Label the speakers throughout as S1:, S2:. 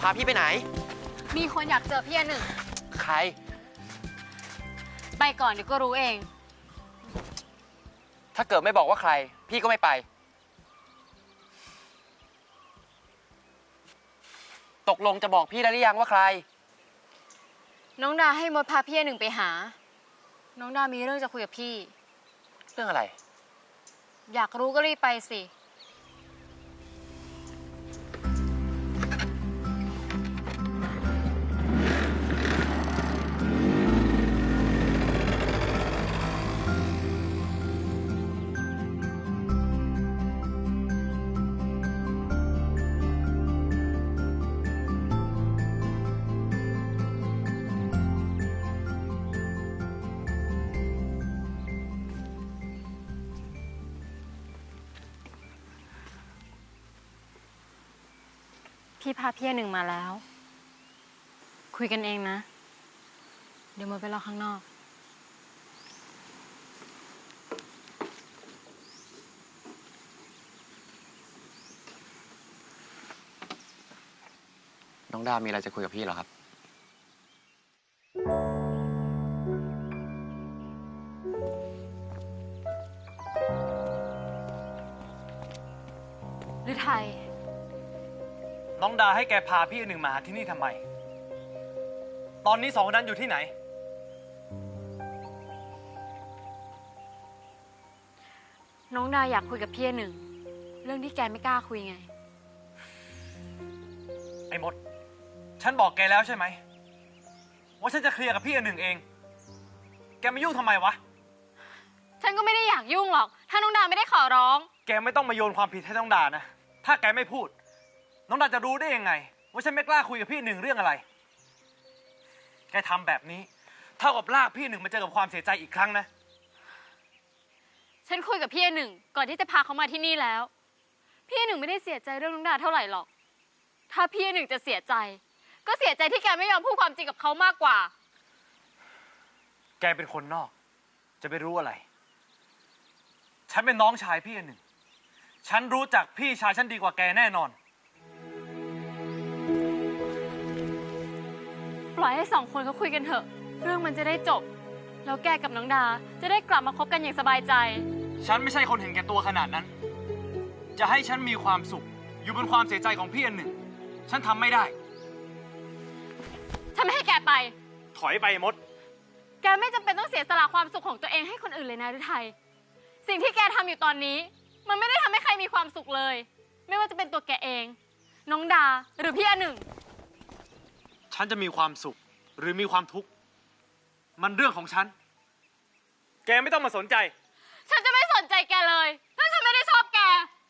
S1: พาพี่ไปไหน
S2: มีคนอยากเจอพี่หนึ่ง
S1: ใคร
S2: ไปก่อนเดี๋ยวก็รู้เอง
S1: ถ้าเกิดไม่บอกว่าใครพี่ก็ไม่ไปตกลงจะบอกพี่ได้หรือยังว่าใคร
S2: น้องดาให้มดพาพี่หนึ่งไปหาน้องดามีเรื่องจะคุยกับพี่
S1: เรื่องอะไร
S2: อยากรู้ก็รีบไปสิพี่พาพี่หนึ่งมาแล้วคุยกันเองนะเดี๋ยวมดไปรอข้างนอก
S1: น้องดามีอะไรจะคุยกับพี่เหรอครับ
S2: ฤทัย
S3: น้องดาให้แกพาพี่หนึ่งมาหาที่นี่ทำไมตอนนี้สองคนนั้นอยู่ที่ไหน
S2: น้องดาอยากคุยกับพี่หนึ่งเรื่องที่แกไม่กล้าคุยไง
S3: ไอ้มดฉันบอกแกแล้วใช่ไหมว่าฉันจะเคลียร์กับพี่หนึ่งเองแกมายุ่งทำไมวะ
S2: ฉันก็ไม่ได้อยากยุ่งหรอกถ้าน้องดาไม่ได้ขอร้อง
S3: แกไม่ต้องมาโยนความผิดให้น้องดานะถ้าแกไม่พูดน้องดาจะรู้ได้ยังไงว่าฉันไม่กล้าคุยกับพี่หนึ่งเรื่องอะไรแกทำแบบนี้เท่ากับลากพี่หนึ่งมาเจอกับความเสียใจอีกครั้งนะ
S2: ฉันคุยกับพี่หนึ่งก่อนที่จะพาเขามาที่นี่แล้วพี่หนึ่งไม่ได้เสียใจเรื่องน้องดาเท่าไหร่หรอกถ้าพี่หนึ่งจะเสียใจก็เสียใจที่แกไม่ยอมพูดความจริงกับเขามากกว่า
S3: แกเป็นคนนอกจะไปรู้อะไรฉันเป็นน้องชายพี่หนึ่งฉันรู้จักพี่ชายฉันดีกว่าแกแน่นอน
S2: ปล่อยให้สองคนเขาคุยกันเถอะเรื่องมันจะได้จบแล้วแกกับน้องดาจะได้กลับมาคบกันอย่างสบายใจ
S3: ฉันไม่ใช่คนเห็นแก่ตัวขนาดนั้นจะให้ฉันมีความสุขอยู่บนความเสียใจของพี่หนึ่งฉันทำไม่ได้
S2: ฉันไม่ให้แกไป
S3: ถอยไปมด
S2: แกไม่จำเป็นต้องเสียสละความสุขของตัวเองให้คนอื่นเลยนะฤทัยสิ่งที่แกทำอยู่ตอนนี้มันไม่ได้ทำให้ใครมีความสุขเลยไม่ว่าจะเป็นตัวแกเองน้องดาหรือพี่หนึ่ง
S3: ฉันจะมีความสุขหรือมีความทุกข์มันเรื่องของฉันแกไม่ต้องมาสนใจ
S2: ฉันจะไม่สนใจแกเลยถ้าฉันไม่ได้ชอบแก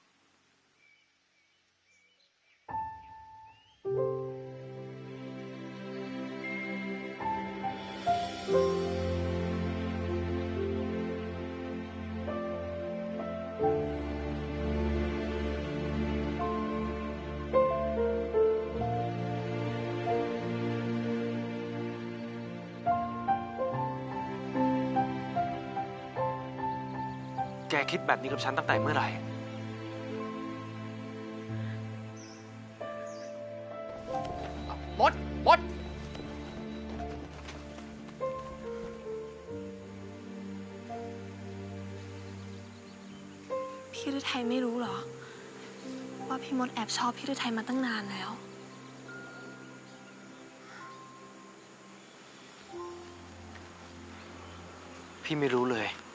S3: แกคิดแบบนี้กับฉันตั้งแต่เมื่อไหร่
S1: มด
S4: พี่ฤทัยไม่รู้เหรอว่าพี่มดแอบชอบพี่ฤทัยมาตั้งนานแล้ว
S3: พี่ไม่รู้เลย